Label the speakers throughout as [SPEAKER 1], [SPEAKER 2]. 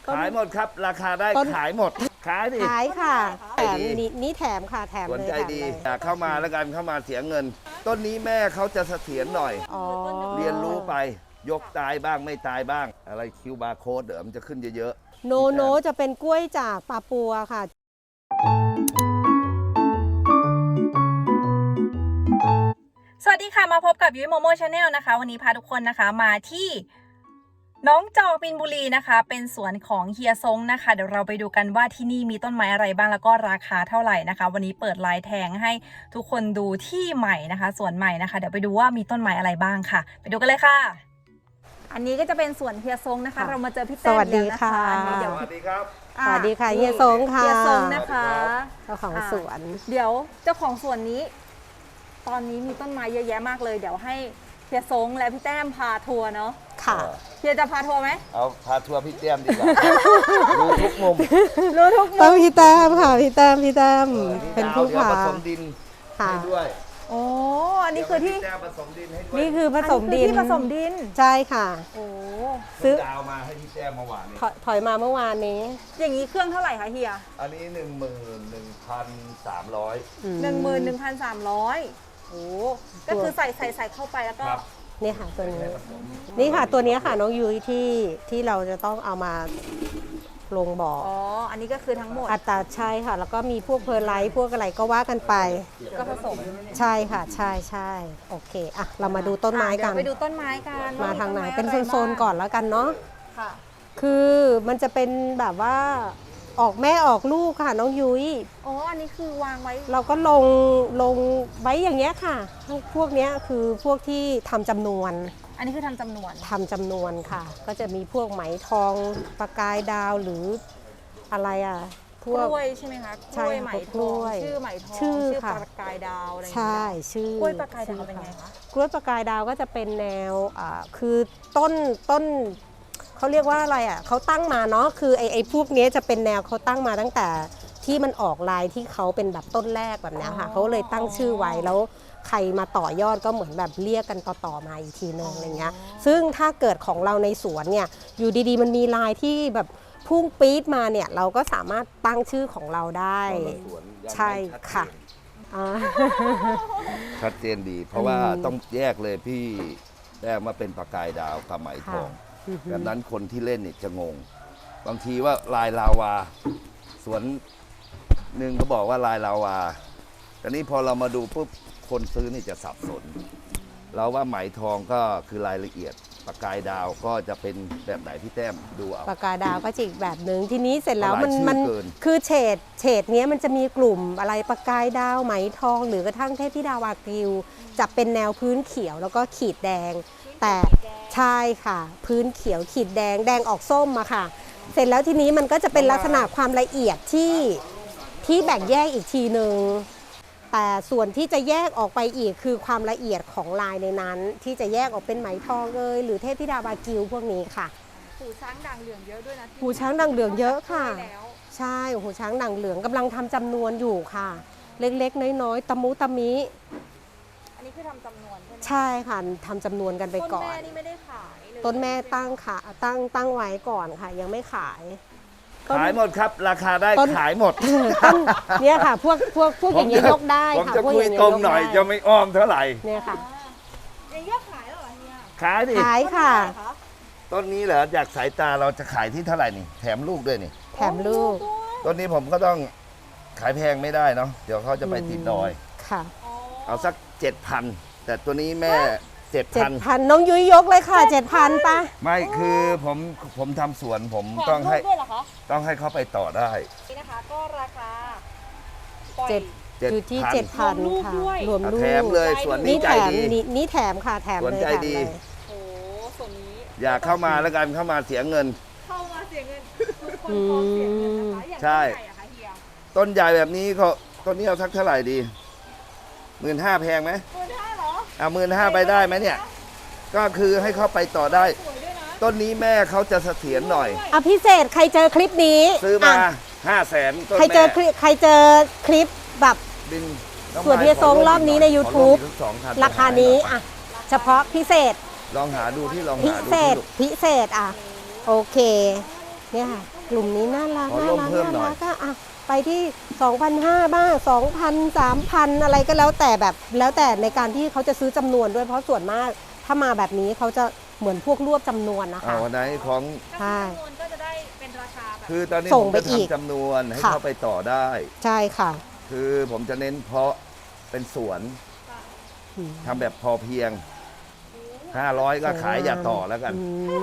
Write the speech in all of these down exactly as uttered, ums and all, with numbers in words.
[SPEAKER 1] ขายหมดครับราคาได้ขายหมดขายดิ
[SPEAKER 2] ขายค่ะแถมนี่แถมค่ะแถมเลย
[SPEAKER 1] สนใจดีเข้ามาแล้วกันเข้ามาเสียเงินต้นนี้แม่เขาจะเสถียรหน่อยเรียนรู้ไปยกตายบ้างไม่ตายบ้างอะไรคิวบาร์โค้ดเดี๋ยวมันจะขึ้นเยอะ
[SPEAKER 2] ๆโนโนจะเป็นกล้วยจากปาปัวค่ะ
[SPEAKER 3] สวัสดีค่ะมาพบกับยุ้ยโมโม่ชาแนลนะคะวันนี้พาทุกคนนะคะมาที่น้องจอกบินบุรีนะคะเป็นสวนของเฮียซงนะคะเดี๋ยวเราไปดูกันว่าที่นี่มีต้นไม้อะไรบ้างแล้วก็ราคาเท่าไหร่นะคะวันนี้เปิดลายแทงให้ทุกคนดูที่ใหม่นะคะสวนใหม่นะคะเดี๋ยวไปดูว่ามีต้นไม้อะไรบ้างค่ะไปดูกันเลยค่ะอันนี้ก็จะเป็นสวนเฮียซงนะคะเรามาเจอพี่แต้มแล้วนะคะ
[SPEAKER 1] เดี๋ยวสวัสดีครับ
[SPEAKER 2] สวัสดีค่ะเฮียซงค่ะ
[SPEAKER 3] เฮียซงนะคะ
[SPEAKER 2] เจ้าของสวน
[SPEAKER 3] เดี๋ยวเจ้าของสวนนี้ตอนนี้มีต้นไม้เยอะแยะมากเลยเดี๋ยวให้เฮียซงและพี่แต้มพาทัวร์เนาะ
[SPEAKER 2] ค่ะ
[SPEAKER 3] เฮียจะพาทัวร์ไหม
[SPEAKER 1] เอาพาทัวร์พี่แต้มดีกว่ารู้ทุกมุม
[SPEAKER 3] รู้ทุกมุม
[SPEAKER 2] ต้องพี่แต้มค่ะพี่แต้มพี่แต้มเป็นผู้พา
[SPEAKER 1] ผสมดินให้ด้วย
[SPEAKER 3] โอ้อันนี้คือที่
[SPEAKER 1] ผสมดินให้ด้วย
[SPEAKER 2] นี่คือผสมดิน
[SPEAKER 3] ที่ผสมดิน
[SPEAKER 2] ใช่ค่ะ
[SPEAKER 3] โอ้
[SPEAKER 1] ซื้อดาวมาให้พี่แต้มเมื่อวานนี้
[SPEAKER 2] ถอยมาเมื่อวานนี้
[SPEAKER 3] อย่างนี้เครื่องเท่าไหร่คะเฮีย
[SPEAKER 1] อันนี้หนึ่งหมื่นหนึ่งพันสามร้อย
[SPEAKER 3] หนึ่งหมื่นหนึ่งพันสามร้อยโอ้ก็คือใส่ใส่ใส่เข้าไปแล้วก็
[SPEAKER 2] นี่ค่ะตัวนี้นี่ค่ะตัวนี้ค่ะน้องยุ้ยที่ที่เราจะต้องเอามาลงบ่อ
[SPEAKER 3] อ๋ออันนี้ก็คือทั้งหมด
[SPEAKER 2] อัตราใช่ค่ะแล้วก็มีพวกเพอร์ไลท์พวกอะไรก็ว่ากันไป
[SPEAKER 3] ก็ผสม
[SPEAKER 2] ใช่ค่ะใช่ใช่โอเคอ่ะเรามาดูต้นไม้กัน
[SPEAKER 3] ไปดูต้นไม้กัน
[SPEAKER 2] มาทางไหนเป็นโซนๆก่อนแล้วกันเนาะ
[SPEAKER 3] ค่ะ
[SPEAKER 2] คือมันจะเป็นแบบว่าออกแม่ออกลูกค่ะน้องยุ้ย
[SPEAKER 3] อ๋ออันนี้คือวางไว้
[SPEAKER 2] เราก็ลงลงไว้อย่างเงี้ยค่ะพวกเนี้ยคือพวกที่ทำจำนวน
[SPEAKER 3] อันนี้คือทำจำนวน
[SPEAKER 2] ทำจำนวนค่ะก็จะมีพวกไหมทองประกายดาวหรืออะไรอ่ะ
[SPEAKER 3] กล้วยใช่ไหมคะกล้วยไหมทองชื่อไหมทองชื่อประกายดาวอะไร
[SPEAKER 2] ใช่ชื่อก
[SPEAKER 3] ล้วยประกายดาวเป็นไงคะ
[SPEAKER 2] กล้วยประกายดาวก็จะเป็นแนวอ่าคือต้นต้นเขาเรียกว่าอะไรอ่ะเขาตั้งมาเนาะคือไอ้ไอ้พวกนี้จะเป็นแนวเขาตั้งมาตั้งแต่ที่มันออกลายที่เขาเป็นแบบต้นแรกแบบนี้ค่ะเขาเลยตั้งชื่อไว้แล้วใครมาต่อยอดก็เหมือนแบบเรียกกันต่อๆมาอีกทีนึงอะไรเงี้ยซึ่งถ้าเกิดของเราในสวนเนี่ยอยู่ดีๆมันมีลายที่แบบพุ่งปี๊ดมาเนี่ยเราก็สามารถตั้งชื่อของเราได้ใช่ค่ะ
[SPEAKER 1] ชัดเจนดีเพราะว่าต้องแยกเลยพี่แต้มมาเป็นประกายดาวกับไหมทองดังนั้นคนที่เล่นเนี่ยจะงงบางทีว่าลายลาวาสวนหนึ่งก็บอกว่าลายลาวาแต่นี้พอเรามาดูปุ๊บคนซื้อนี่จะสับสนเราว่าไหมทองก็คือรายละเอียดประกายดาวก็จะเป็นแบบไหนพี่แต้มดูเอา
[SPEAKER 2] ประกายดาวก็จิกแบบหนึ่งทีนี้เสร็จแล้วมันมันคือเฉดเฉดนี้มันจะมีกลุ่มอะไรประกายดาวไหมทองหรือกระทั่งเทพธิดาวากิวจะเป็นแนวพื้นเขียวแล้วก็ขีดแดงแต่ใช่ค่ะพื้นเขียวขีดแดงแดงออกส้มอะค่ะเสร็จแล้วทีนี้มันก็จะเป็นลักษณะความละเอียดที่ที่แบ่งแยกอีกทีหนึ่งแต่ส่วนที่จะแยกออกไปอีกคือความละเอียดของลายในนั้นที่จะแยกออกเป็นไหมทองเลยหรือเทพธิดาวากิวพวกนี้ค่ะ
[SPEAKER 3] หูช้างด่างเหลืองเยอะด้วยนะ
[SPEAKER 2] หูช้างด่างเหลืองเยอะค่ะใช่หูช้างด่างเหลืองกำลังทำจำนวนอยู่ค่ะเล็กๆน้อยๆตะมุตะมิ
[SPEAKER 3] อันนี้คือทำจำนวนใช่ไหม
[SPEAKER 2] ใช่ค่ะทำจำนวนกันไปก่อน
[SPEAKER 3] ต้นแม่นี่ไม่ได้ขาย
[SPEAKER 2] ต้นแม่ตั้งค่ะตั้งตั้งไว้ก่อนค่ะยังไม่ขาย
[SPEAKER 1] ขายหมดครับราคาได้ขายหมด
[SPEAKER 2] เนี่ยค่ะพวกพวกพวกอย่างเงี้ยยกได้
[SPEAKER 1] ค่ะผมจะคุยตรงหน่อยจะไม่อ้อมเท่าไหร่
[SPEAKER 2] เนี่ยค่ะ
[SPEAKER 3] อย่างเงี้ยขายเหรอเนี่ย
[SPEAKER 1] ขายดิ
[SPEAKER 2] ขายค่ะ
[SPEAKER 1] ต้นนี้เหรอจากสายตาเราจะขายที่เท่าไหร่นี่แถมลูกด้วยนี่
[SPEAKER 2] แถมลูก
[SPEAKER 1] ต้นนี้ผมก็ต้องขายแพงไม่ได้เนาะเดี๋ยวเขาจะไปติดดอย
[SPEAKER 2] ค่ะ
[SPEAKER 1] เอาสักเจ็ดพันแต่ตัวนี้แม่เจ็ดพัน
[SPEAKER 2] พันน้องยุ้ยยกเลยค่ะเจ็ดพันปะ
[SPEAKER 1] ไม่คือผมผมทำสวนผมต้องให้ต้องให้เขาไปต่อได้
[SPEAKER 3] นี่นะคะก็ราคา
[SPEAKER 2] เจ็ดอยู่ที่เจ็ดพันค่ะรวมลูก
[SPEAKER 1] แถมเลยส่วนนี้ใจดี
[SPEAKER 2] นี่แถมค่ะแถมเลย
[SPEAKER 1] ใจดี
[SPEAKER 3] โอ้ส่วนนี้
[SPEAKER 1] อยากเข้ามาแล้วกันเข้ามาเสียเงิน
[SPEAKER 3] เข้ามาเสียเงินทุกคนพร้อมเสียเงินนะคะ
[SPEAKER 1] ใช่ต้นใหญ่แบบนี้เขาต้นนี้เอาสักเท่าไหร่ดีหมื่นห้าแพงไหม
[SPEAKER 3] หมื่นห้าเหรอ
[SPEAKER 1] อ่ะหมื่นห้าไปได้ไหมเนี่ยก็คือให้เขาไปต่อได้ต้นนี้แม่เขาจะเสถียรหน่อย
[SPEAKER 2] อ่ะพิเศษใครเจอคลิปนี้
[SPEAKER 1] ซื้อมาห้าแสน
[SPEAKER 2] ใครเจอคลิปใครเจอคลิปแบบส่วนเฮียซงรอบนี้ใน ยูทูบ ราคานี้อ่ะเฉพาะพิเศษ
[SPEAKER 1] ลองหาดูที่ลองหาดู
[SPEAKER 2] พิเศษพิเศษอ่ะโอเคเนี่ยค่ะกลุ่มนี้น่ารัก
[SPEAKER 1] ขอ
[SPEAKER 2] น่า
[SPEAKER 1] ร่วม
[SPEAKER 2] รัก
[SPEAKER 1] เพิ่มหน่
[SPEAKER 2] น่า
[SPEAKER 1] อย
[SPEAKER 2] รักก็อ่ะไปที่ สองพันห้าร้อย บ้าง สองพัน สามพัน อะไรก็แล้วแต่แบบแล้วแต่ในการที่เขาจะซื้อจำนวนด้วยเพราะส่วนมากถ้ามาแบบนี้เขาจะเหมือนพวกรวบจำนวนนะ
[SPEAKER 1] เอา
[SPEAKER 2] คะ
[SPEAKER 1] วันไหนของ
[SPEAKER 2] ใช่
[SPEAKER 3] จำนวนก็จะได้เป็นราคาแบบ
[SPEAKER 1] คือตอนนี้
[SPEAKER 2] ส่
[SPEAKER 1] ผ
[SPEAKER 2] ง
[SPEAKER 1] ม
[SPEAKER 2] ไป
[SPEAKER 1] จะ
[SPEAKER 2] อีก
[SPEAKER 1] ทำจำนวนให้
[SPEAKER 2] ค่ะ
[SPEAKER 1] เขาไปต่อได้
[SPEAKER 2] ใช่ค่ะ
[SPEAKER 1] คือผมจะเน้นเพาะเป็นสวน
[SPEAKER 2] อืม
[SPEAKER 1] ทำแบบพอเพียง ห้าร้อย ก็ขายอย่าต่อแล้วกัน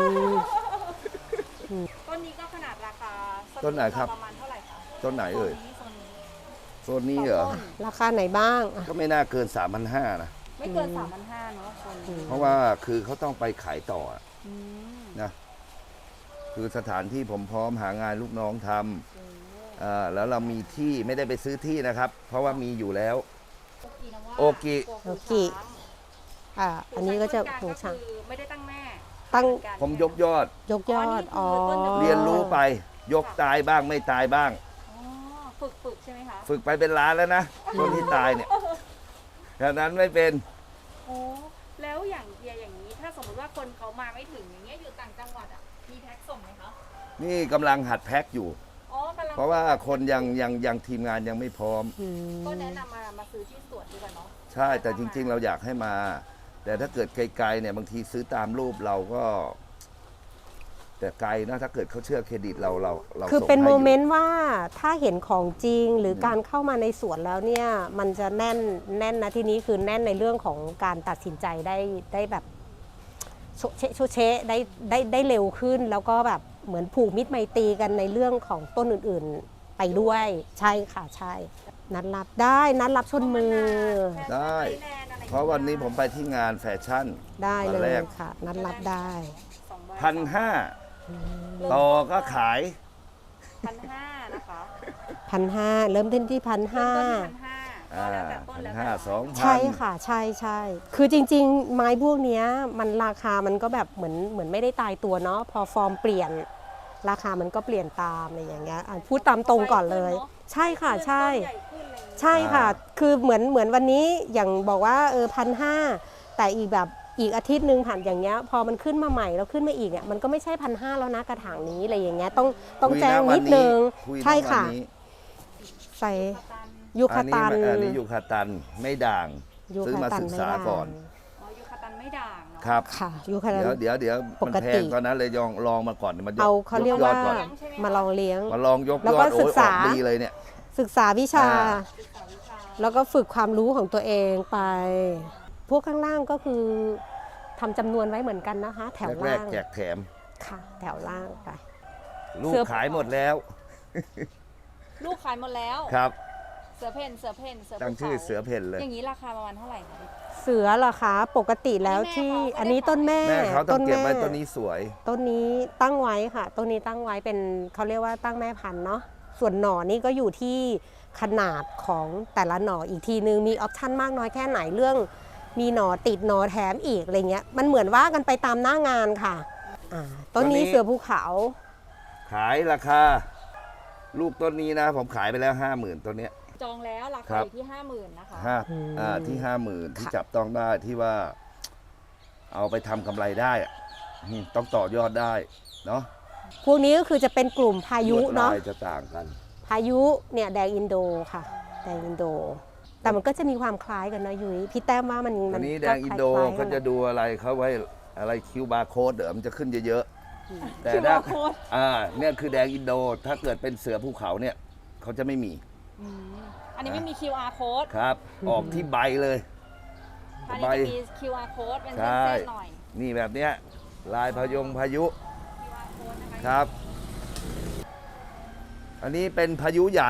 [SPEAKER 2] อืม
[SPEAKER 3] ต้นนี้ก็ขนาดราคา
[SPEAKER 1] ต้นไหนครับ
[SPEAKER 3] ประมาณเท่าไหร่คะ
[SPEAKER 1] ต้นไหนเอ่ย
[SPEAKER 3] โซนนี้โซนนี้
[SPEAKER 1] โซนนี้เหรอ
[SPEAKER 2] ราคาไหนบ้างอ่ะ
[SPEAKER 1] ก็ไม่น่าเกิน สามพันห้าร้อย นะ
[SPEAKER 3] ไม่เกินสามพันห้าเนาะโซนนี้
[SPEAKER 1] เพราะว่าคือเขาต้องไปขายต่ออะ
[SPEAKER 3] อืม
[SPEAKER 1] นะ คือสถานที่ผมพร้อมหางานลูกน้องทำอ่าแล้วเรามีที่ไม่ได้ไปซื้อที่นะครับ เพราะว่ามีอยู่แล้ว โอกิ
[SPEAKER 2] โอกิอ่าอันนี้ก็จะหู
[SPEAKER 3] หู
[SPEAKER 2] ช้าง
[SPEAKER 3] คือไม่ได้ตั้งแม่
[SPEAKER 2] ตั้ง
[SPEAKER 1] ผมยกยอด
[SPEAKER 2] ยกยอดอ๋อ
[SPEAKER 1] เรียนรู้ไป ยกตายบ้างไม่ตายบ้าง
[SPEAKER 3] อ๋อฝึกฝึกใช่ไหมคะ
[SPEAKER 1] ฝึกไปเป็นล้านแล้วนะคนที่ตายเนี่ยดังนั้นไม่เป็น
[SPEAKER 3] โอ้แล้วอย่างเฮียอย่างนี้ ถ้าสมมติว่าคนเขามาไม่ถึงอย่างเงี้ยอยู่ต่างจังหวัดอ่ะมีแพ็คส่งไหมคะ
[SPEAKER 1] นี่กำลังหัดแพ็คอยู่
[SPEAKER 3] อ๋อกำลัง
[SPEAKER 1] เพราะว่าคนยังยังยังทีมงานยังไม่พร้อม
[SPEAKER 2] อืม
[SPEAKER 3] ก็แนะนำมามาซื้อที่สวนดีกว่าเนาะ
[SPEAKER 1] ใช่แต่จริง ๆ เราอยากให้มา แต่ถ้าเกิดไกลๆเนี่ยบางทีซื้อตามรูปเราก็ แต่ไกลนะถ้าเกิดเขาเชื่อเครดิตเราเราเรา
[SPEAKER 2] คือ
[SPEAKER 1] ส่ง
[SPEAKER 2] เป็น
[SPEAKER 1] ให้
[SPEAKER 2] โม
[SPEAKER 1] ยู่
[SPEAKER 2] เมนต์ว่าถ้าเห็นของจริงหรือการเข้ามาในสวนแล้วเนี่ย มันจะแน่นแน่นนะที่นี้คือแน่นในเรื่องของการตัดสินใจได้ได้แบบโชเชโชเชได้ได้ได้เร็วขึ้น แล้วก็แบบเหมือนผูกมิตรไมตรีกันในเรื่องของต้นอื่นๆ ไปด้วย ใช่ค่ะใช่ นัดรับได้นัดรับชนมือ
[SPEAKER 1] ได้ เพราะวันนี้ผมไปที่งานแฟชั่น
[SPEAKER 2] ได้
[SPEAKER 1] วั
[SPEAKER 2] เล
[SPEAKER 1] แร
[SPEAKER 2] ย
[SPEAKER 1] ก
[SPEAKER 2] ค่ะ นัดรับได้
[SPEAKER 1] พันห้าต่อก็ขาย
[SPEAKER 3] พันห้านะคะ
[SPEAKER 2] พันห้าเริ่มต้นที่พันห้า
[SPEAKER 3] พันห้า
[SPEAKER 1] อ่า
[SPEAKER 3] แล้วแต่ต้น
[SPEAKER 1] พัน
[SPEAKER 3] แล้ว
[SPEAKER 1] ห้า
[SPEAKER 3] แต่
[SPEAKER 1] สองพัน
[SPEAKER 2] ใช่ค่ะใช่ใช่คือจริง ๆ ไม้พวกเนี้ยมันราคามันก็แบบเหมือนเหมือนไม่ได้ตายตัวเนาะพอฟอร์มเปลี่ยน ราคามันก็เปลี่ยนตามอะไรอย่างเงี้ยอ่ะพูดตามตรงก่อนเลย ใช่ค่ะใช่
[SPEAKER 3] ต้นใหญ่ขึ้นเลย
[SPEAKER 2] ใช่ค่ะ คือเหมือนเหมือนวันนี้อย่างบอกว่าเออพันห้าแต่อีกแบบอีกอาทิตย์หนึ่งผ่านอย่างเงี้ยพอมันขึ้นมาใหม่แล้วขึ้นมาอีกเนี่ยมันก็ไม่ใช่พันห้าแล้วนะกระถางนี้อะไรอย่างเงี้ยต้องต้อง
[SPEAKER 1] คุย
[SPEAKER 2] แจ้ง
[SPEAKER 1] วั
[SPEAKER 2] นิดนึง
[SPEAKER 1] คุย
[SPEAKER 2] ใช่
[SPEAKER 1] ณวั
[SPEAKER 2] ค่ะ
[SPEAKER 1] นนี้
[SPEAKER 2] ใส่
[SPEAKER 3] ตัน
[SPEAKER 2] ยูคาตัน
[SPEAKER 1] อันนี้อันนี้ยูคาตันไม่ด่าง
[SPEAKER 2] ยู
[SPEAKER 1] ซื้อ
[SPEAKER 2] คา
[SPEAKER 1] มา
[SPEAKER 2] ตัน
[SPEAKER 1] ศึก
[SPEAKER 2] ไม่
[SPEAKER 1] ษา
[SPEAKER 2] ได้
[SPEAKER 1] ก่อน
[SPEAKER 3] อ๋อยูคาตันไม่ด่างเนาะ
[SPEAKER 1] ครับ
[SPEAKER 2] ค่ะยูคาตัน
[SPEAKER 1] เดี๋ยวเดี๋ยวเดี๋ยว
[SPEAKER 2] ป
[SPEAKER 1] มัน
[SPEAKER 2] ก
[SPEAKER 1] แพ
[SPEAKER 2] ติ
[SPEAKER 1] งตอนนั้นเลยลองลองมาก่อนมันย
[SPEAKER 2] เอาเขาเรียก
[SPEAKER 1] ย
[SPEAKER 2] ว่า
[SPEAKER 1] อดก่อน
[SPEAKER 2] มาลองเลี้ยง
[SPEAKER 1] มาลองยก
[SPEAKER 2] แล้ว
[SPEAKER 1] ย
[SPEAKER 2] ก็
[SPEAKER 1] อดโอ้
[SPEAKER 2] ศึ
[SPEAKER 1] ย
[SPEAKER 2] ก
[SPEAKER 1] อ
[SPEAKER 2] ษา
[SPEAKER 1] อกดีเลยเนี่ย
[SPEAKER 2] ศึกษาวิชา
[SPEAKER 1] อ่า
[SPEAKER 3] ศึกษาวิชา
[SPEAKER 2] แล้วก็ฝึกความรู้ของตัวเองไป พวกข้างล่างก็คือทำจำนวนไว้เหมือนกันนะคะ แถว
[SPEAKER 1] แร
[SPEAKER 2] ล่าก ง
[SPEAKER 1] ๆแจกแถม
[SPEAKER 2] ค่ะ แถวล่างไป
[SPEAKER 1] ลูก
[SPEAKER 2] เสื้อ
[SPEAKER 1] ขายหมดแล้ว
[SPEAKER 3] ลูกขายหมดแล้ว
[SPEAKER 1] ครับ
[SPEAKER 3] เสือเพ่นเสือเพ่นเสือ
[SPEAKER 1] ตั้ง
[SPEAKER 3] ภู
[SPEAKER 1] ชื่อ
[SPEAKER 3] ขา
[SPEAKER 1] เสือเพ่นเลย
[SPEAKER 3] อย่างนี้ราคาประมาณเท่าไหร่คะ
[SPEAKER 2] เสือเหรอคะปกติแล้วที่
[SPEAKER 3] อั
[SPEAKER 2] อั
[SPEAKER 3] น
[SPEAKER 2] น
[SPEAKER 3] นี้
[SPEAKER 2] นี้
[SPEAKER 3] แม่เขา
[SPEAKER 2] ต้นแม่
[SPEAKER 1] แม่เขาต้องเก็บไว้
[SPEAKER 2] แม่
[SPEAKER 1] ต้นนี้สวย
[SPEAKER 2] ต้นนี้ตั้งไว้ค่ะ ต้นนี้ตั้งไว้เป็นเขาเรียกว่าตั้งแม่พันธุ์เนาะส่วนหน่อนี่ก็อยู่ที่ขนาดของแต่ละหน่ออีกทีนึงมีออปชั่นมากน้อยแค่ไหนเรื่อง มีหน่อติดหน่อแถมอีกอะไรเงี้ยมันเหมือนว่ากันไปตามหน้างานค่ะอ่าต้นนี้
[SPEAKER 1] ต้นนี้
[SPEAKER 2] เสือภูเขา
[SPEAKER 1] ขายราคา ลูกต้นนี้นะ ผมขายไปแล้วห้าหมื่นต้นเนี้ย
[SPEAKER 3] จองแล้วรา
[SPEAKER 1] ครั
[SPEAKER 3] คา
[SPEAKER 1] บ
[SPEAKER 3] อยู่ที่ห้าหมื่นนะคะ
[SPEAKER 1] ห้าอ่าที่ห้าหมื่นที่จับต้องได้ที่ว่า เอาไปทำกำไรได้อะอืมต้องต่อยอดได้เนาะ
[SPEAKER 2] พวกนี้ก็คือจะเป็นกลุ่มพายุ
[SPEAKER 1] ลวด
[SPEAKER 2] เนาะ
[SPEAKER 1] ลายจะต่างกัน
[SPEAKER 2] พายุเนี่ยแดงอินโดค่ะ แดงอินโด แต่มันก็จะมีความคล้ายกันนะยุ้ยพี่แต้มว่ามัน
[SPEAKER 1] อั
[SPEAKER 2] มัน
[SPEAKER 1] นี้แดงอินโด
[SPEAKER 2] คล้ายๆกั
[SPEAKER 1] เขา
[SPEAKER 2] น
[SPEAKER 1] จะดูอะไรเขาไว้อะไรคิวบาร์โค้ดเดี๋ยวมันจะขึ้นเยอะๆแต่ถ้า
[SPEAKER 3] คิว อาร์ code
[SPEAKER 1] อ่าเนี่ยคือแดงอินโด ถ้าเกิดเป็นเสือภูเขาเนี่ยเขาจะไม่มี
[SPEAKER 3] อืมอันนี้ไม่มี คิว อาร์ code
[SPEAKER 1] ครับ ออกที่ใบเลย
[SPEAKER 3] อัน
[SPEAKER 1] ใบ
[SPEAKER 3] นี้จะมี คิว อาร์ code เป็น
[SPEAKER 1] ใช่
[SPEAKER 3] เส้นๆหน่อย
[SPEAKER 1] นี่แบบเนี้ยลายพยงพายุ
[SPEAKER 3] คิว อาร์ code นะคะ
[SPEAKER 1] ครับ อันนี้เป็นพายุใหญ่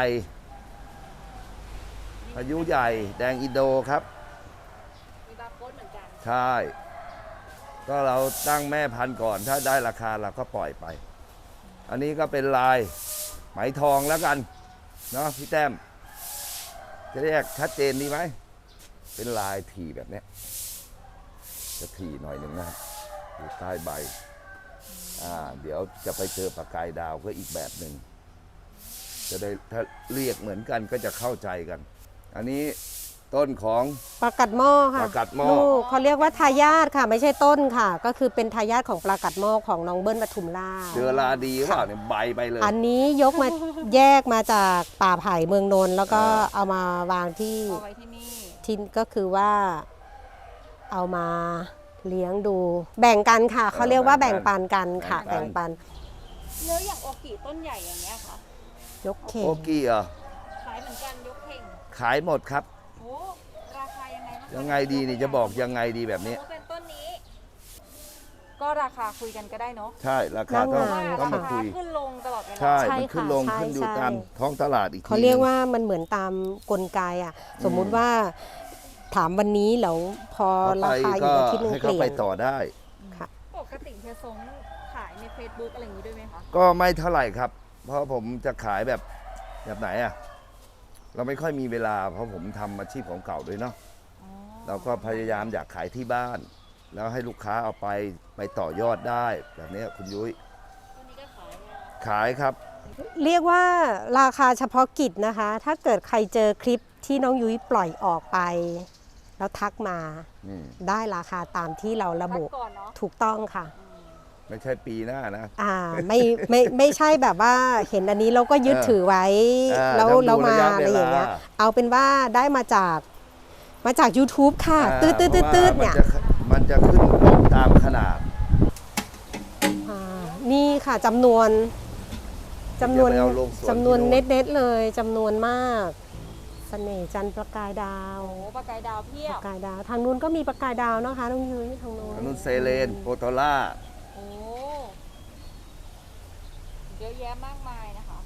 [SPEAKER 1] พายุใหญ่ แดงอินโดครับ
[SPEAKER 3] มีบาร์โค้ดเหมือนกัน
[SPEAKER 1] ใช่ ก็เราตั้งแม่พันธุ์ก่อน ถ้าได้ราคาเราก็ปล่อยไป อันนี้ก็เป็นลายไหมทองแล้วกัน เนาะพี่แต้ม จะเรียกชัดเจนดีไหม เป็นลายถี่แบบเนี้ย จะถี่หน่อยหนึ่งนะครับอยู่ใต้ใบ อ่า เดี๋ยวจะไปเจอปากกายดาวก็อีกแบบหนึ่ง จะได้ถ้าเรียกเหมือนกันก็จะเข้าใจกัน อันนี้ต้นของ
[SPEAKER 2] ปลากัดหม้อค่ะ
[SPEAKER 1] ปลากัดหม้อ
[SPEAKER 2] ลูกเขาเรียกว่าทายาทค่ะ ไม่ใช่ต้นค่ะ ก็คือเป็นทายาทของปลากัดหม้อของน้องเบิ้ลปทุมราช
[SPEAKER 1] เดือราดีว่าเนี่ยใบไปเลย
[SPEAKER 2] อันนี้ยกมา แยกมาจากป่าไผ่เมืองนนท์แล้วก็
[SPEAKER 1] อ่า
[SPEAKER 2] เอามาวางที่
[SPEAKER 3] เอาไว้ที่นี่
[SPEAKER 2] ที่ก็คือว่าเอามาเลี้ยงดู แบ่งกันค่ะ เขาเรียกว่าแบ่งปันกันค่ะ แบ่งปัน
[SPEAKER 3] แล้วอย่างโอกิต้นใหญ่อย่างเงี้ยค่ะ
[SPEAKER 2] ยกเข่ง
[SPEAKER 1] โอกี้เหรอ
[SPEAKER 3] ขายเหมือนกันยกเข่ง
[SPEAKER 1] ขายหมดครับ
[SPEAKER 3] โอ้ราคายังไงบ้างคะ
[SPEAKER 1] ยังไงดีนี่จะบอกยังไงดีแบบนี้
[SPEAKER 3] โอ้เป็นต้นนี้ ก็ราคาคุยกันก็ได้เนาะ
[SPEAKER 1] ใช่ราคาต้อง
[SPEAKER 2] หน้างาน
[SPEAKER 1] ต้องมา
[SPEAKER 3] รา
[SPEAKER 1] คุ
[SPEAKER 3] คาย ขึ้นลงตลอดเวลา
[SPEAKER 1] ใช่
[SPEAKER 2] ใช่
[SPEAKER 1] มันขึ้น
[SPEAKER 2] ค่ะ
[SPEAKER 1] ลง
[SPEAKER 2] ใช่
[SPEAKER 1] ขึ้นอยู่
[SPEAKER 2] ใช่
[SPEAKER 1] ตามท้องตลาดอีกที
[SPEAKER 2] เขาเรียก
[SPEAKER 1] หนึ่ง
[SPEAKER 2] ว่ามันเหมือนตามกลไกอ่ะ สมมุติว่าถามวันนี้แล้วพอ
[SPEAKER 1] เขา
[SPEAKER 2] รา
[SPEAKER 1] ไป
[SPEAKER 2] คาอี
[SPEAKER 1] ก็
[SPEAKER 2] กอาทิตย์หนึง
[SPEAKER 1] ให้
[SPEAKER 2] เป
[SPEAKER 1] เขา
[SPEAKER 2] ลี่ย
[SPEAKER 1] ไป
[SPEAKER 2] น
[SPEAKER 1] ต่อได้
[SPEAKER 2] ค่ะ
[SPEAKER 3] ปกติเฮียซงขายใน Facebook อะไรอย่างนี้ด้วยไหมคะ
[SPEAKER 1] ก็ไม่เท่าไหร่ครับ เพราะผมจะขายแบบแบบไหนอะเราไม่ค่อยมีเวลา เพราะผมทำอาชีพของเก่าด้วยเนาะ
[SPEAKER 3] อ๋อ
[SPEAKER 1] เราก็พยายามอยากขายที่บ้าน แล้วให้ลูกค้าเอาไปไปต่อยอดได้ แบบนี้คุณยุ้ย
[SPEAKER 3] ต้นนี้ก็ขายเนี่ย
[SPEAKER 1] ขายครับ
[SPEAKER 2] เรียกว่าราคาเฉพาะกิจนะคะ ถ้าเกิดใครเจอคลิปที่น้องยุ้ยปล่อยออกไป แล้วทักมา
[SPEAKER 1] อืม
[SPEAKER 2] ได้ราคาตามที่เราระบุ
[SPEAKER 3] พักก่อนเนาะ
[SPEAKER 2] ถูกต้องค่ะ
[SPEAKER 1] ไม่ใช่ปีหน้านะ
[SPEAKER 2] อ่าไม่ไม่ไม่ใช่แบบว่าเห็นอันนี้เราก็ยึด
[SPEAKER 1] เออ
[SPEAKER 2] ถือไว้
[SPEAKER 1] เออ
[SPEAKER 2] แล้ว
[SPEAKER 1] ต้องดู
[SPEAKER 2] แล้วมา
[SPEAKER 1] ระยะ
[SPEAKER 2] อะไรอย่างเงี้ย
[SPEAKER 1] เวลา
[SPEAKER 2] เอาเป็นว่าได้มาจากมาจาก YouTube ค่ะ
[SPEAKER 1] อ่า
[SPEAKER 2] ตืดตืดตืดตืดเนี่ย
[SPEAKER 1] พราะว่ามันจะมันจะขึ้นลงตามขนาด
[SPEAKER 2] อ่านี่ค่ะจำนวนจำนวน
[SPEAKER 1] อย่าไปเอาลงสวน
[SPEAKER 2] จำนวน
[SPEAKER 1] ที่โน่น
[SPEAKER 2] เน็ตๆเลยจำนวนมากเสน่ห์จันทร์ประกายดาว
[SPEAKER 3] โอ้ปลากายดาวเพีย
[SPEAKER 2] ป
[SPEAKER 3] บ
[SPEAKER 2] ระกายดาว ทางนู้นก็มีประกายดาวนะคะน้องยุ้ยทางนู้น
[SPEAKER 1] อันนู้นเซเลนโปโตล่า
[SPEAKER 3] โอ้เยอะแยะมากมายนะคะ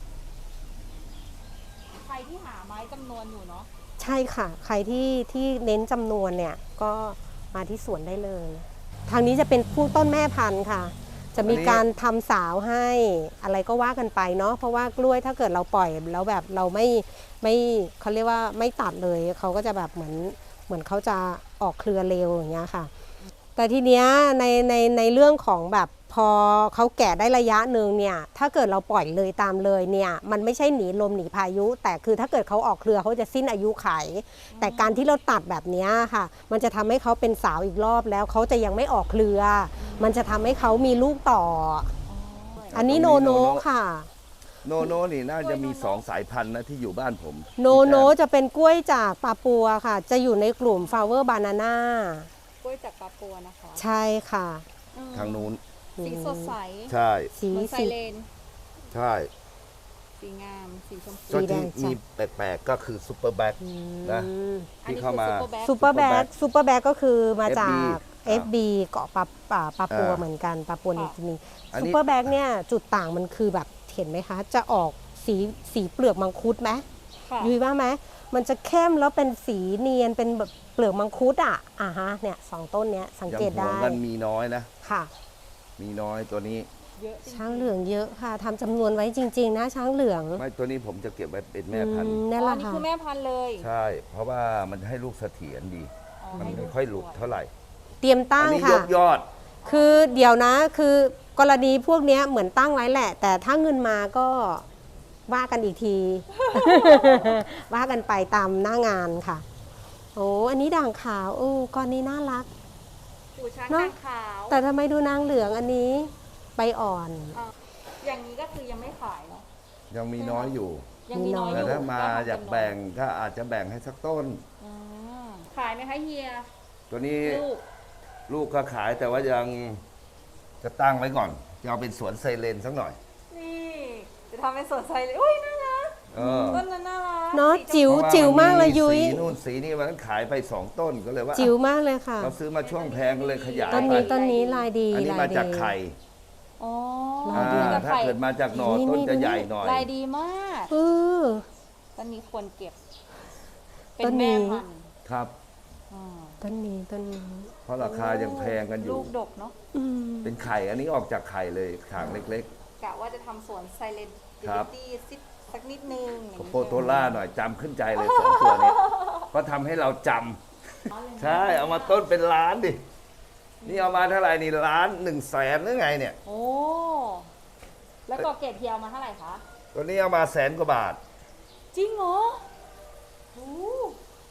[SPEAKER 3] ใครที่หาไม้จำนวนอยู่เนาะ
[SPEAKER 2] ใช่ค่ะ ใครที่ที่เน้นจำนวนเนี่ยก็มาที่สวนได้เลย ทางนี้จะเป็นผู้ต้นแม่พันธุ์ค่ะ จะมีการทำสาวให้อะไรก็ว่ากันไปเนาะเพราะว่ากล้วยถ้าเกิดเราปล่อยแล้วแบบเราไม่ไม่เขาเรียกว่าไม่ตัดเลยเขาก็จะแบบเหมือนเหมือนเขาจะออกเครือเร็วอย่างเงี้ยค่ะ แต่ทีเนี้ยในในในเรื่องของแบบพอเขาแก่ได้ระยะหนึ่งเนี่ยถ้าเกิดเราปล่อยเลยตามเลยเนี่ยมันไม่ใช่หนีลมหนีพายุ แต่คือถ้าเกิดเขาออกเครือเขาจะสิ้นอายุไข แต่การที่เราตัดแบบเนี้ยค่ะ มันจะทำให้เขาเป็นสาวอีกรอบแล้วเขาจะยังไม่ออกเครือ มันจะทำให้เขามีลูกต่อ อันนี้โนโนค่ะ
[SPEAKER 1] โนโนนี่น่าจะมีสองสายพันธุ์นะที่อยู่บ้านผม
[SPEAKER 2] โนโนจะเป็นกล้วยจากปาปัวค่ะ จะอยู่ในกลุ่ม flower banana
[SPEAKER 3] กล้วยจากปาปัวนะคะ
[SPEAKER 2] ใช่ค่ะ
[SPEAKER 3] อืม
[SPEAKER 1] ทางนู้น
[SPEAKER 3] สีสดใส
[SPEAKER 1] ใช่
[SPEAKER 2] สี
[SPEAKER 3] เหมือนไซ
[SPEAKER 2] สี
[SPEAKER 3] เลน
[SPEAKER 1] ใช่
[SPEAKER 3] สีงาม สีชมพู
[SPEAKER 2] สี
[SPEAKER 1] ก็
[SPEAKER 2] แด
[SPEAKER 1] ที่
[SPEAKER 2] งจ้ะ
[SPEAKER 1] มีแปลกๆก็คือซูเปอร์แบ็ค นะ
[SPEAKER 2] อืม
[SPEAKER 3] อัน
[SPEAKER 1] ที่
[SPEAKER 3] นี้
[SPEAKER 1] เข้า
[SPEAKER 3] คือ
[SPEAKER 1] มา
[SPEAKER 3] ซูเปอร์แบ็ค
[SPEAKER 2] ซูเปอร์แบ็กซูเปอร์แบ็กก็คือมาจาก
[SPEAKER 1] เอฟบี
[SPEAKER 2] เอฟ บี เกาะปาป่าปาปัว
[SPEAKER 1] อ่า
[SPEAKER 2] เหมือนกันปาปัวนิ
[SPEAKER 3] ค่ะ
[SPEAKER 2] วกินี
[SPEAKER 1] อันนี้
[SPEAKER 2] ซูเปอร์แบ็กเนี่ยจุดต่างมันคือแบบเห็นไหมคะ จะออกสีสีเปลือกมังคุดไหม
[SPEAKER 3] ค่ะ
[SPEAKER 2] ยุ้ยว่าไหมมันจะเข้มแล้วเป็นสีเนียนเป็นแบบเปลือกมังคุดอ่ะอ่าฮะเนี่ยสองต้นเนี้ยสัง
[SPEAKER 1] ยัง
[SPEAKER 2] เกต
[SPEAKER 1] ห่ว
[SPEAKER 2] ได้
[SPEAKER 1] งกันมีน้อยนะ
[SPEAKER 2] ค่ะ
[SPEAKER 1] มีน้อยตัวนี้
[SPEAKER 3] เยอะจริงๆ
[SPEAKER 2] ช้างเหลืองเยอะค่ะทำจำนวนไว้จริง ๆ นะช้างเหลือง
[SPEAKER 1] ไม่ตัวนี้ผมจะเก็บไว้เป็นแม่พัน
[SPEAKER 2] อื
[SPEAKER 1] ธุ์
[SPEAKER 2] ม
[SPEAKER 3] อ๋
[SPEAKER 2] นั่น
[SPEAKER 3] อ
[SPEAKER 2] แห
[SPEAKER 3] อั
[SPEAKER 2] ละ
[SPEAKER 3] นนี้
[SPEAKER 2] ค่ะ
[SPEAKER 3] คือแม่พันธุ์เลย
[SPEAKER 1] ใช่ เพราะว่ามันให้ลูกเสถียรดี
[SPEAKER 3] อ๋อ
[SPEAKER 1] มัน
[SPEAKER 3] ให้
[SPEAKER 1] ไม่
[SPEAKER 3] ลูก
[SPEAKER 1] ค่อยหลุด
[SPEAKER 3] สวย
[SPEAKER 1] เท่าไหร่
[SPEAKER 2] เตรียม
[SPEAKER 1] อั
[SPEAKER 2] ตั้ง
[SPEAKER 1] นี้ย
[SPEAKER 2] ค่ะ
[SPEAKER 1] กยอด
[SPEAKER 2] คือเดี๋ยวนะคือกรณีพวกเนี้ยเหมือนตั้งไว้แหละ แต่ถ้าเงินมาก็ว่ากันอีกที ว่ากันไปตามหน้างานค่ะ โอ้อันนี้ด่างขาวโอ้ก้อนนี้น่ารัก
[SPEAKER 3] หูช้าง
[SPEAKER 2] เนอะ
[SPEAKER 3] กางขาว
[SPEAKER 2] แต่ทำไมดูนางเหลืองอันนี้ใบอ่อน
[SPEAKER 3] อ่ะอย่างนี้ก็คือยังไม่ขายเนาะ
[SPEAKER 1] ยังมีน้อยอยู่
[SPEAKER 3] ยังมีน้อยอ
[SPEAKER 1] แต่
[SPEAKER 3] ยู่
[SPEAKER 1] ถ้ามา
[SPEAKER 3] ทำ
[SPEAKER 1] อยาก
[SPEAKER 3] จำนวน
[SPEAKER 1] แบ่งก็อาจจะแบ่งให้สักต้น
[SPEAKER 3] อืมขายไหมคะเฮีย
[SPEAKER 1] ตัวนี้
[SPEAKER 3] ลูก
[SPEAKER 1] ลูกก็ขายแต่ว่ายังจะตั้งไว้ก่อนจะเอาเป็นสวนไซเลนสักหน่อย
[SPEAKER 3] นี่ จะทำเป็นสวนไซเลยอุ้ยน่ารัก
[SPEAKER 1] เออ
[SPEAKER 3] ต้นนั้นน่ารัก
[SPEAKER 2] เนอะ
[SPEAKER 3] สีชมพู
[SPEAKER 2] จิ๋ว
[SPEAKER 1] เพราะ
[SPEAKER 2] จิ๋วมากเลยยุ้ย
[SPEAKER 1] สีนู่นสีนี่วันนั้นขายไปสองต้นก็เลยว่า
[SPEAKER 2] จิ๋วมากเลยค่ะ
[SPEAKER 1] เราซื้อมาช่วงแพงก็เลยขยาย
[SPEAKER 2] ต้น
[SPEAKER 1] ไป
[SPEAKER 2] นี้ต้นนี้ลายดี
[SPEAKER 1] อันนี้
[SPEAKER 2] ลาย
[SPEAKER 1] มา
[SPEAKER 2] ดี
[SPEAKER 1] จากไข่
[SPEAKER 3] อ๋อ
[SPEAKER 2] ลายดี
[SPEAKER 1] อ่า
[SPEAKER 3] กับ
[SPEAKER 1] ถ้า
[SPEAKER 3] ไข่
[SPEAKER 1] เกิดมาจากหน่อ
[SPEAKER 2] นี่
[SPEAKER 1] ต้น
[SPEAKER 2] นี่
[SPEAKER 1] จะ
[SPEAKER 2] ดู
[SPEAKER 1] ใหญ่
[SPEAKER 2] นี่
[SPEAKER 1] หน่อย
[SPEAKER 3] ลายดีมาก
[SPEAKER 2] เออ
[SPEAKER 3] ต้นนี้ควรเก็บ เป็
[SPEAKER 2] ต้
[SPEAKER 3] น
[SPEAKER 2] นนี้
[SPEAKER 3] แม่พันธุ์
[SPEAKER 1] ครับ
[SPEAKER 3] อ่า
[SPEAKER 2] ต้นนี้ต้นนี้
[SPEAKER 1] เพราะราคายังแพงกันอยู่
[SPEAKER 3] ลูกดกเนาะ
[SPEAKER 2] อืม
[SPEAKER 1] เป็นไข่อันนี้ออกจากไข่เลยขางเล็ก
[SPEAKER 3] กะว่าจะทำสวนไซเลน
[SPEAKER 1] ครับ
[SPEAKER 3] ตี้สิสักนิดนึงอย่าง
[SPEAKER 1] ๆ
[SPEAKER 3] นี้
[SPEAKER 1] โปโตล่าหน่อยจำขึ้นใจเลยสองตัวนี้เพราะทำให้เราจำใช่เอามาต้นเป็นล้านดินี่เอามาเท่าไหร่นี่ล้านหนึ่งแสนหรือไงเนี่ย
[SPEAKER 3] โอ้ แล้วก็เกรดเทียวมาเท่าไหร่คะ
[SPEAKER 1] ตัวนี้เอามาแสนกว่าบาท
[SPEAKER 3] จริงเหรอโอ้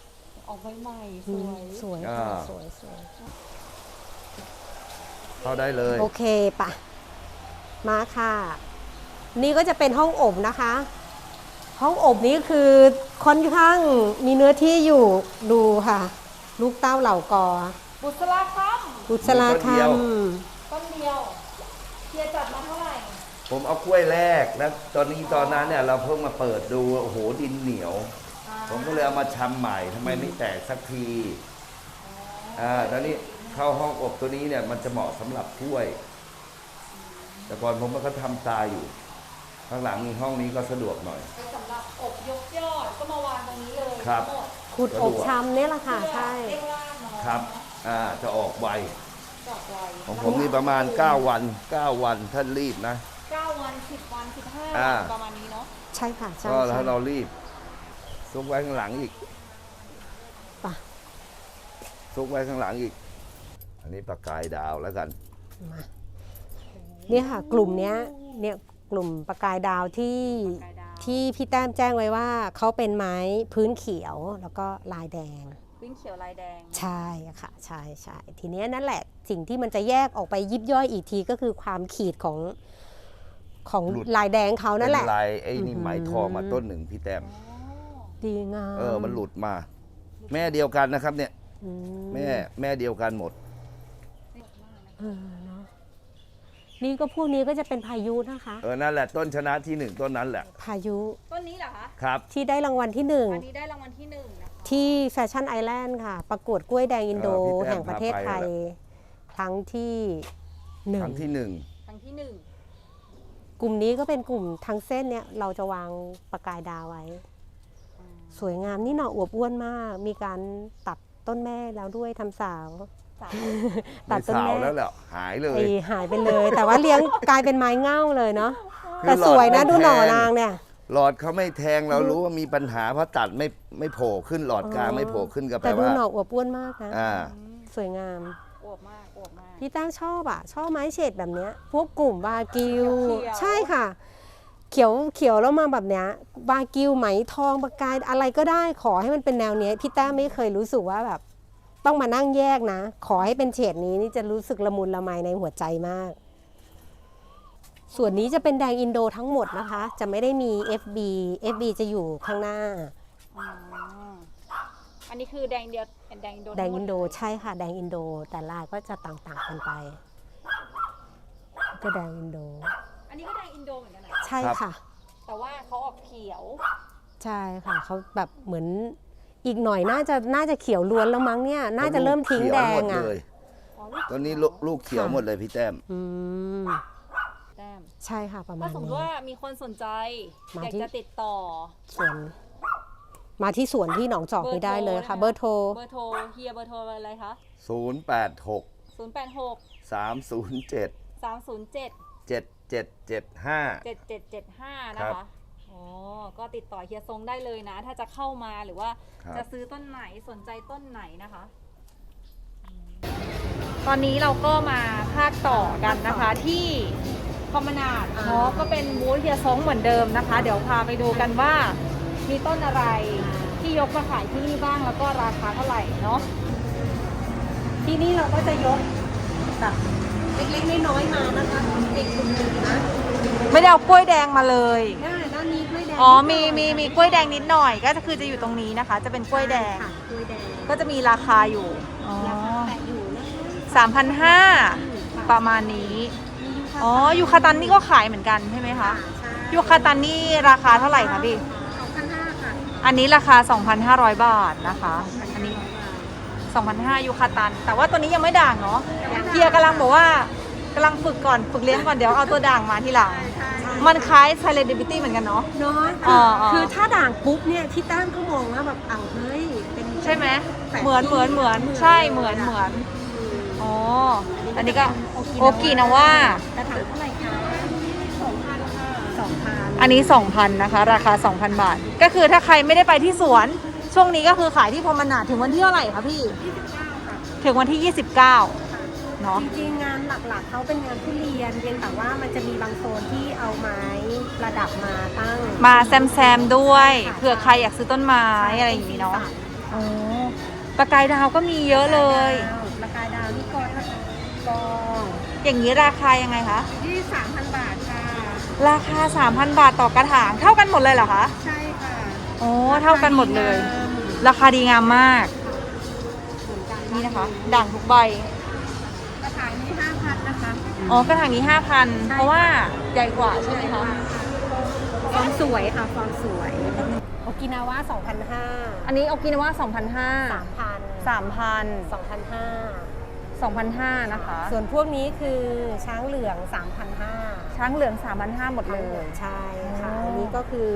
[SPEAKER 3] ออกใหม่ๆสวย
[SPEAKER 2] สวย
[SPEAKER 1] อ่า
[SPEAKER 2] สวยสวย
[SPEAKER 1] เข้าได้เลย
[SPEAKER 2] โอเคปะมาค่ะ นี่ก็จะเป็นห้องอบนะคะ ห้องอบนี้คือค่อนข้างมีเนื้อที่อยู่ดูค่ะ ลูกเต้าเหล่ากอ
[SPEAKER 3] บุษราค
[SPEAKER 2] บุษราค
[SPEAKER 3] ำต้นเดียวเฮียจัดมาเท่าไหร่
[SPEAKER 1] ผมเอากล้วยแรกแล้วตอนนี้ตอนนั้นเนี่ยเราเพิ่งมาเปิดดูโอ้โหดินเหนียว ผมก็เลยเอามาชำใหม่ทำไมไม่แตกสักทีอ่าตอนนี้เข้าห้องอบตัวนี้เนี่ยมันจะเหมาะสำหรับกล้วย แต่ก่อนผมมันก็ทำตายอยู่ ข้างหลังมีห้องนี้ก็สะดวกหน่อย
[SPEAKER 3] เป็นสำหรับอบยกยอดก็มาวางตรงนี้เลย
[SPEAKER 1] ครับ
[SPEAKER 3] ทั้งหมด
[SPEAKER 2] ขุดอบชำเนี่ยแหละค่ะ ใช่
[SPEAKER 3] เร่งล่างเนาะ
[SPEAKER 1] ครับอ่าจะออกไว
[SPEAKER 3] จอกไว
[SPEAKER 1] ของผมนี่ประมาณเก้าวันเก้าวันท่านรีบนะ
[SPEAKER 3] เก้าวันสิบวันสิบห้า
[SPEAKER 1] อ่า
[SPEAKER 3] วันประมาณนี้เนาะ
[SPEAKER 2] ใช่ค่ะใช่
[SPEAKER 1] ก็ถ้า
[SPEAKER 2] ใช่
[SPEAKER 1] เรารีบซุกไว้ข้างหลังอีก
[SPEAKER 2] ปะ
[SPEAKER 1] ซุกไว้ข้างหลังอีก อันนี้ประกายดาวแล้วกัน
[SPEAKER 2] มาเนี่ยค่ะ กลุ่มเนี้ยเนี่ยกลุ่มประกายดาวที่
[SPEAKER 3] ประกายดาว
[SPEAKER 2] ที่พี่แต้มแจ้งไว้ว่าเขาเป็นไม้พื้นเขียวแล้วก็ลายแดง
[SPEAKER 3] ปิ้นเขียวลายแดง
[SPEAKER 2] ใช่ค่ะใช่ใช่ทีเนี้ยนั่นแหละสิ่งที่มันจะแยกออกไปยิบย่อยอีกทีก็คือความขีดของของ
[SPEAKER 1] หลุด
[SPEAKER 2] ลายแดงเขานั่นแหละ
[SPEAKER 1] เป็นลายไอ้นี่
[SPEAKER 2] อือหือ
[SPEAKER 1] ไหมทองมาต้นหนึ่งพี่แต้ม
[SPEAKER 2] ดีงาม
[SPEAKER 1] เออมันหลุดมา แม่เดียวกันนะครับเนี่ย
[SPEAKER 2] อื
[SPEAKER 1] แม่แม่เดียวกันหมด
[SPEAKER 2] เออเนาะนี่ก็พวกนี้ก็จะเป็นพายุนะคะ
[SPEAKER 1] เออนั่นแหละต้นชนะที่หนึ่งต้นนั้นแหละ
[SPEAKER 2] พายุ
[SPEAKER 3] ต้นนี้เหรอคะ
[SPEAKER 1] ครับ
[SPEAKER 2] ที่ได้รางวัลที่หนึ่ง
[SPEAKER 3] อันนี้ได้รางวัลที่หนึ่งนะคะ
[SPEAKER 2] ที่แฟชั่นไอแลนด์ค่ะ ประกวดกล้วยแดงอินโด
[SPEAKER 1] เออพี่แต้ม
[SPEAKER 2] แห่งประเทศไทย
[SPEAKER 1] พาไป
[SPEAKER 2] ครั้งที่หนึ่
[SPEAKER 1] ค
[SPEAKER 2] ง
[SPEAKER 1] รั้งที่หนึ่ง
[SPEAKER 3] ครั้งที่หนึ่ง
[SPEAKER 2] กลุ่มนี้ก็เป็นกลุ่มทั้งเส้นเนี่ยเราจะวางประกายดาวไว้ สวยงามนี่หน่ออวบอ้วนมาก มีการตัดต้นแม่แล้วด้วยทำสาว
[SPEAKER 3] สาม
[SPEAKER 2] ตัดต้น
[SPEAKER 1] สาว
[SPEAKER 2] แม่
[SPEAKER 1] แล้วแหละหายเลย
[SPEAKER 2] ไอ้หายไปเลย แต่ว่าเลี้ยงกลายเป็นไม้เง่าเลยเนาะ
[SPEAKER 1] คือ
[SPEAKER 2] แต่สวยนะ
[SPEAKER 1] หลอดไม่
[SPEAKER 2] ดูหน่อ
[SPEAKER 1] แทง
[SPEAKER 2] นางเนี่ย
[SPEAKER 1] หลอดเขาไม่แทงเรารู้ว่ามีปัญหาเพราะตัดไม่ไม่โผล่ขึ้นหลอดกลางไม่โผล่ขึ้นก็แปล
[SPEAKER 2] แต่ดู
[SPEAKER 1] ว่า
[SPEAKER 2] หน่ออวบอ้วนมากนะ
[SPEAKER 1] อ่า
[SPEAKER 2] สวยงาม
[SPEAKER 3] อวบมากอวบมาก
[SPEAKER 2] พี่ตั้งชอบอ่ะ ชอบไม้เฉดแบบเนี้ย พวกกลุ่มบากิว
[SPEAKER 3] เขียวๆ
[SPEAKER 2] ใช่ค่ะ เขียวเขียวแล้วมาแบบเนี้ยบากิวไหมทองประกายอะไรก็ได้ขอให้มันเป็นแนวเนี้ยพี่แต้มไม่เคยรู้สึกว่าแบบ ต้องมานั่งแยกนะ ขอให้เป็นเฉดนี้นี่จะรู้สึกละมุนละไมในหัวใจมาก ส่วนนี้จะเป็นแดงอินโดทั้งหมดนะคะ จะไม่ได้มี เอฟ บี เอฟ บี จะอยู่ข้างหน้า
[SPEAKER 3] อ๋ออันนี้คือแดงเดียวแดงอินโด
[SPEAKER 2] แดงอินโด
[SPEAKER 3] ทั้หม
[SPEAKER 2] ใช่ค่ะ แดงอินโด แต่ลายก็จะต่างๆกันไป ก็แดงอินโด
[SPEAKER 3] อันนี้ก็แดงอินโดเหมือนกันนะ
[SPEAKER 2] ใช่ค่ะ
[SPEAKER 3] แต่ว่าเขาออกเขียว
[SPEAKER 2] ใช่ค่ะเขาแบบเหมือนอีกหน่อยน่าจะน่าจะเขียวล้วนแล้วมั้งเนี่ย น่าจะเริ่มทิ้งแดงอ่ะ
[SPEAKER 1] เขียวหมดเลย
[SPEAKER 3] อ๋อลูก
[SPEAKER 1] ตอนนี้ลูกลูกเขียวหมดเลยพี่แต้ม
[SPEAKER 2] อืม
[SPEAKER 3] แต้ม
[SPEAKER 2] ใช่ค่ะประมา
[SPEAKER 3] ถ้า
[SPEAKER 2] ณ
[SPEAKER 3] สมม
[SPEAKER 2] นี้
[SPEAKER 3] ติว่ามีคนสนใจ
[SPEAKER 2] มา
[SPEAKER 3] อยาก
[SPEAKER 2] ที่
[SPEAKER 3] จะติดต่อ
[SPEAKER 2] สวน มาที่สวนที่หนองจอกนี่ได้เลยค่ะ เบอร์โทร
[SPEAKER 3] เบอร์โทรเฮียเบอร์โทรอะไรคะ
[SPEAKER 1] ศูนย์ แปด หก
[SPEAKER 3] ศูนย์ แปด หก
[SPEAKER 1] สาม ศูนย์ เจ็ด
[SPEAKER 3] สาม ศูนย์ เจ็ด
[SPEAKER 1] เจ็ด เจ็ด เจ็ด ห้า
[SPEAKER 3] เจ็ด เจ็ด เจ็ด ห้า นะ
[SPEAKER 1] ครั
[SPEAKER 3] คะ
[SPEAKER 1] บ
[SPEAKER 3] อ๋อ ก็ติดต่อเฮียทรงได้เลยนะ ถ้าจะเข้ามาหรือว่า
[SPEAKER 1] ครับ
[SPEAKER 3] จะซื้อต้นไหนสนใจต้นไหนนะคะ ตอนนี้เราก็มาภาคต่อกันนะคะที่คอมมนาดเนาะก็เป็นบูธเฮียทรงเหมือนเดิมนะคะ เดี๋ยวพาไปดูกันว่า มีต้นอะไรที่ยกมาขายที่นี่บ้างแล้วก็ราคาเท่าไหร่เนาะ
[SPEAKER 2] ที่นี่เราก็จะยกแบบเล็กๆน้อยๆมานะคะเด็กกลุ่มหนึ่งนะ
[SPEAKER 3] ไม่ได้เอากล้วยแดงมาเลย
[SPEAKER 2] ได้ด้านนี้กล้วยแดง
[SPEAKER 3] อ๋อ มี มี มีกล้วยแดงนิดหน่อย ก็คือจะอยู่ตรงนี้นะคะ จะเป็นกล้วยแดง
[SPEAKER 2] ค่ะกล้วยแดง
[SPEAKER 3] ก็จะมีราคาอยู่ อ๋อ
[SPEAKER 2] ราคาแปะอยู่นะคะ
[SPEAKER 3] สามพันห้าประมาณนี้ อ๋อ ยูคาตันนี่ก็ขายเหมือนกันใช่ไหมคะ ยูคาตันนี่ราคาเท่าไหร่คะพี่
[SPEAKER 2] สองพันห้าค่ะ
[SPEAKER 3] อันนี้ราคา สองพันห้าร้อย บาทนะคะ อันนี้ สองพันห้า ยูคาตัน แต่ว่าตัวนี้ยังไม่ด่างเนาะเฮียกำลังบอกว่ากำลังฝึกก่อน ฝึกเลี้ยงก่อน เดี๋ยวเอาตัวด่างมาทีหลัง มันคล้าย Celebrity เหมือนกันเนาะ
[SPEAKER 2] เนาะ
[SPEAKER 3] อ๋อ
[SPEAKER 2] คือ
[SPEAKER 3] อ๋อ
[SPEAKER 2] คือถ้าด่างปุ๊บเนี่ยที่ต้านก็มองว่าแบบอ้าวเฮ้ยเป็น
[SPEAKER 3] ใช่ไหม
[SPEAKER 2] แปด
[SPEAKER 3] เหมือนเหมือนเหมือน ใช่ เหมือนเหมือน อ๋อ อันนี้ก็โอกินาว่า
[SPEAKER 2] กระถางเท่าไหร่คะสองพันค่ะสองพัน
[SPEAKER 3] อันนี้ สองพัน นะคะ ราคา สองพัน บาท ก็คือถ้าใครไม่ได้ไปที่สวน ช่วงนี้ก็คือขายที่พรหมนาถถึงวันที่เท่าไหร่คะพี่
[SPEAKER 2] ยี่สิบเก้าค่ะ
[SPEAKER 3] ถึงวันที่ ยี่สิบเก้า เนาะ
[SPEAKER 2] จริงๆงานหลักๆเขาเป็นงานทุเรียนเพียงแต่ว่ามันจะมีบางโซนที่เอาไม้ประดับมาตั้ง
[SPEAKER 3] มาแซมแซมๆด้วย เผื่อใครอยากซื้อต้นไม้อะไรอย่างนี้เนาะ
[SPEAKER 2] ป็สีสั
[SPEAKER 3] อ๋อประกายดาวก็มีเยอะเลย
[SPEAKER 2] ประกายดาวนี่กอละกอ
[SPEAKER 3] อย่างนี้ราคายังไงคะ
[SPEAKER 2] ที่สามพันบาทค่ะ
[SPEAKER 3] ราคา สามพัน บาทต่อกระถางเท่ากันหมดเลยเหรอคะ
[SPEAKER 2] ใช่ค่ะ
[SPEAKER 3] โอ้เท่ากันหมดเลย ราคาดีงามมาก
[SPEAKER 2] เหมือนกัน
[SPEAKER 3] นี่นะคะ ด่างทุกใบ
[SPEAKER 2] กระถางนี้ห้าพันนะคะ
[SPEAKER 3] อ๋อกระถางนี้ ห้าพัน เพราะว่าใหญ่กว่าใช่ไหมคะ
[SPEAKER 2] ฟอร์มสวยค่ะฟอร์มสวยโอกินาวะสองพันห้า
[SPEAKER 3] อันนี้โอกินาวาสองพันห้า
[SPEAKER 2] สามพัน
[SPEAKER 3] สามพัน
[SPEAKER 2] สองพันห้า
[SPEAKER 3] สองพันห้านะคะ
[SPEAKER 2] ส่วนพวกนี้คือช้างเหลืองสามพันห้า
[SPEAKER 3] ช้างเหลือง สามพันห้า หมดเลย
[SPEAKER 2] ใช่ค่ะ
[SPEAKER 3] อ๋ออั
[SPEAKER 2] อันนี้ก็คือ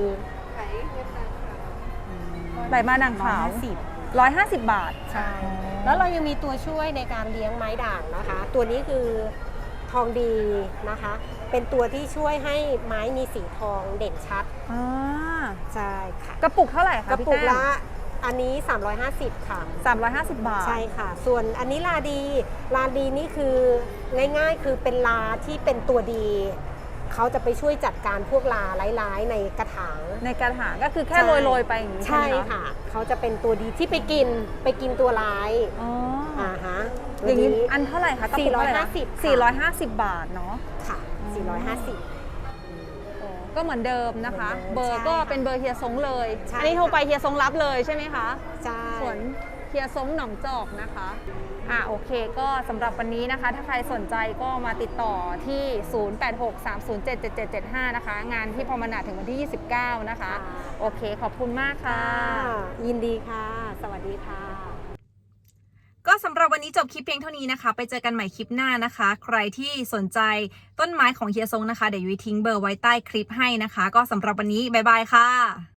[SPEAKER 3] ใบมาด่างขาว
[SPEAKER 2] สิบ
[SPEAKER 3] ร้อยห้าสิบบาท
[SPEAKER 2] ใช่ แล้วเรายังมีตัวช่วยในการเลี้ยงไม้ด่างนะคะ ตัวนี้คือทองดีนะคะ เป็นตัวที่ช่วยให้ไม้มีสีทองเด่นชัด
[SPEAKER 3] อ่า
[SPEAKER 2] ใช่ค่ะ
[SPEAKER 3] กระปุกเท่าไหร่คะ
[SPEAKER 2] กระ
[SPEAKER 3] พี่
[SPEAKER 2] ปุก
[SPEAKER 3] แต้ม
[SPEAKER 2] ละอันนี้ สามร้อยห้าสิบ ค่ะ
[SPEAKER 3] สามร้อยห้าสิบบาท
[SPEAKER 2] ใช่ค่ะ ส่วนอันนี้ลาดี ลาดีนี่คือง่ายๆ คือเป็นลาที่เป็นตัวดี เขาจะไปช่วยจัดการพวกลาร้ายๆในกระถาง
[SPEAKER 3] ในกระถางก็คือแค่
[SPEAKER 2] ใช่
[SPEAKER 3] โรยๆไปอย่างนี้ใช่
[SPEAKER 2] ใช่
[SPEAKER 3] ไหมคะ
[SPEAKER 2] ค่ะ เขาจะเป็นตัวดีที่ไปกินไปกินตัวร้าย
[SPEAKER 3] อ๋ออ
[SPEAKER 2] อ่าฮะ
[SPEAKER 3] อย่างนี้
[SPEAKER 2] ตัว
[SPEAKER 3] อันเท่าไหร่คะกระปุกเท่าไหร่นะ
[SPEAKER 2] สี่
[SPEAKER 3] สี่
[SPEAKER 2] ร้
[SPEAKER 3] ร้
[SPEAKER 2] อ
[SPEAKER 3] อย ย
[SPEAKER 2] ห้า
[SPEAKER 3] ห้า
[SPEAKER 2] สิ
[SPEAKER 3] สิ
[SPEAKER 2] บ
[SPEAKER 3] บบาทเนาะ
[SPEAKER 2] ค่ะ สี่ร้อยห้าสิบ
[SPEAKER 3] ก็เหมือนเดิมนะคะ
[SPEAKER 2] เหมือนเดิม
[SPEAKER 3] เบอร์
[SPEAKER 2] ใช่
[SPEAKER 3] ก็
[SPEAKER 2] ค่ะ
[SPEAKER 3] เป็นเบอร์เฮียซงเลย
[SPEAKER 2] ใช่
[SPEAKER 3] อันนี้โทรไปเฮียซงรับเลยใช่ไหมคะ
[SPEAKER 2] ใช่
[SPEAKER 3] ส่วนเฮียซงหนองจอกนะคะอ่ะโอเคก็สำหรับวันนี้นะคะ ถ้าใครสนใจก็มาติดต่อที่ ศูนย์ แปด หก สาม ศูนย์ เจ็ด เจ็ด เจ็ด เจ็ด ห้า นะคะ งานที่พรหมนาถถึงวันที่ ยี่สิบเก้า นะคะ โอเคขอบคุณมากค่ะ
[SPEAKER 2] ค่ะยินดีค่ะ สวัสดีค่ะ
[SPEAKER 3] ก็สำหรับวันนี้จบคลิปเพียงเท่านี้นะคะ ไปเจอกันใหม่คลิปหน้านะคะ ใครที่สนใจต้นไม้ของเฮียซงนะคะ เดี๋ยวยุ้ยทิ้งเบอร์ไว้ใต้คลิปให้นะคะ ก็สำหรับวันนี้บ๊ายบายค่ะ